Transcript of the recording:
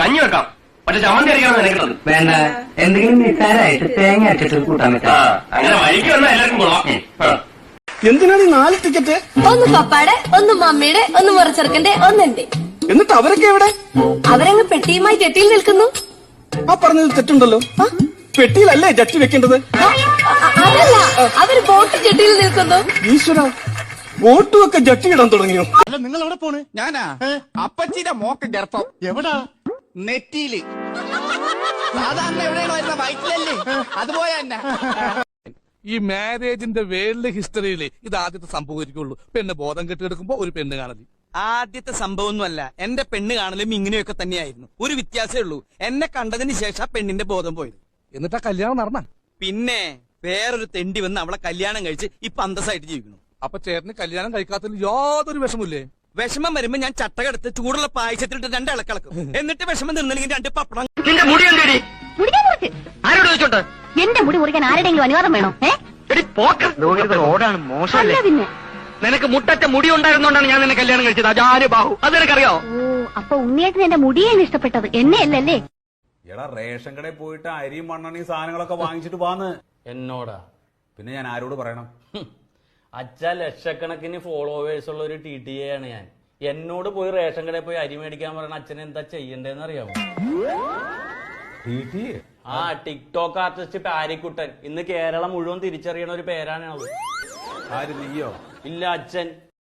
കഞ്ഞി വെക്കാം, പക്ഷെ ചമ്മന്തി അടിക്കണം നിനക്കുള്ളത്. വേണ്ട, എന്തെങ്കിലും നിസ്സാരമായിട്ട് തേങ്ങ അരച്ചിട്ട് കൂട്ടാൻ പറ്റാ. അങ്ങനെ വഴിക്ക് വന്നാൽ എല്ലാവർക്കും കൊള്ളാം. എന്തിനാണ് ഈ 4 ടിക്കറ്റ്? ഒന്ന് പപ്പാടെ, ഒന്ന് മമ്മിയുടെ, ഒന്ന് മുറച്ചെറുക്കന്റെ, ഒന്നെന്റെ. എന്നിട്ട് അവരൊക്കെ എവിടെ? അവരങ്ങ് പെട്ടിയുമായി ജെട്ടിയിൽ നിൽക്കുന്നു. ആ പറഞ്ഞത് തെറ്റുണ്ടല്ലോ. പെട്ടിയിലല്ലേ ജട്ടി വെക്കേണ്ടത്? അതല്ല, അവര് ബോട്ട് ജെട്ടിയിൽ നിൽക്കുന്നു. ഈശ്വര, ബോട്ടുമൊക്കെ ജട്ടിയിടാൻ തുടങ്ങിയോ? അല്ല, നിങ്ങൾ എവിടെ പോണ്? ഞാനാ അപ്പച്ചിയുടെ മോക്ക് ഗർഭം. എവിടാ? നെറ്റിയില്. സാധാരണ എവിടെയാണോ വരുന്ന വയറ്റിലല്ലേ, അതുപോയ തന്നെ. ഈ മാരേജിന്റെ വേൾഡ് ഹിസ്റ്ററിയിൽ ഇത് ആദ്യത്തെ സംഭവിക്കുള്ളൂ. പെണ്ണ് ബോധം കെട്ടിയെടുക്കുമ്പോ ഒരു പെണ്ണ് കാണല്. ആദ്യത്തെ സംഭവമൊന്നുമല്ല, എന്റെ പെണ്ണ് കാണലും ഇങ്ങനെയൊക്കെ തന്നെയായിരുന്നു. ഒരു വ്യത്യാസമേ ഉള്ളൂ, എന്നെ കണ്ടതിന് ശേഷം പെണ്ണിന്റെ ബോധം പോയത്. എന്നിട്ട് ആ കല്യാണം നടന്ന. പിന്നെ വേറൊരു തെണ്ടി വന്ന് അവളെ കല്യാണം കഴിച്ച് ഇപ്പൊ അന്തസ്സായിട്ട് ജീവിക്കുന്നു. അപ്പൊ ചേട്ടന് കല്യാണം കഴിക്കാത്തതിൽ യാതൊരു വിഷമില്ലേ? വിഷമം വരുമ്പോ ഞാൻ ചട്ടകെടുത്ത് ചൂടുള്ള പായസത്തിലിട്ട് 2 ഇളക്കിളക്കും. എന്നിട്ട് വിഷമം നിന്നില്ലെങ്കിൽ 2 പപ്പടം. നിന്റെ മുടി എന്തേടി? ആരോട് ചോദിച്ചോണ്ട്? എന്റെ മുടി മുറിക്കാൻ ആരുടെങ്കിലും അനുവാദം വേണോ? റോഡാണ് മോശമല്ലേ? പിന്നെ നിനക്ക് മുട്ടറ്റ മുടി ഉണ്ടായിരുന്നോണ്ടാണ് ഞാൻ നിന്നെ കല്യാണം കഴിച്ചത്. അജാര് ബാഹു, അത് നിനക്കറിയോ? ഓ, അപ്പൊ ഉണ്ണിയേട്ടന് എന്റെ മുടിയാണ് ഇഷ്ടപ്പെട്ടത്, എന്നെ അല്ലല്ലേ? എടാ, റേഷൻ കടയിൽ പോയിട്ട് അരിയും മണ്ണെണ്ണയും സാധനങ്ങളൊക്കെ വാങ്ങിച്ചിട്ട് പോന്ന്. എന്നോടാ? പിന്നെ ഞാൻ ആരോട് പറയണം? അച്ഛ ലക്ഷക്കണക്കിന് ഫോളോവേഴ്സ് ഉള്ള ഒരു TTA ആണ് ഞാൻ. എന്നോട് പോയി റേഷൻ കടയിൽ പോയി അരി മേടിക്കാൻ പറയണ അച്ഛൻ എന്താ ചെയ്യണ്ടേന്ന് അറിയാമോ? ആ ടിക്ടോക്ക് ആർട്ടിസ്റ്റ് പാരിക്കുട്ടൻ ഇന്ന് കേരളം മുഴുവൻ തിരിച്ചറിയണ ഒരു പേരാണ് അത്. ആര്, നീയോ? ഇല്ല, അച്ഛൻ.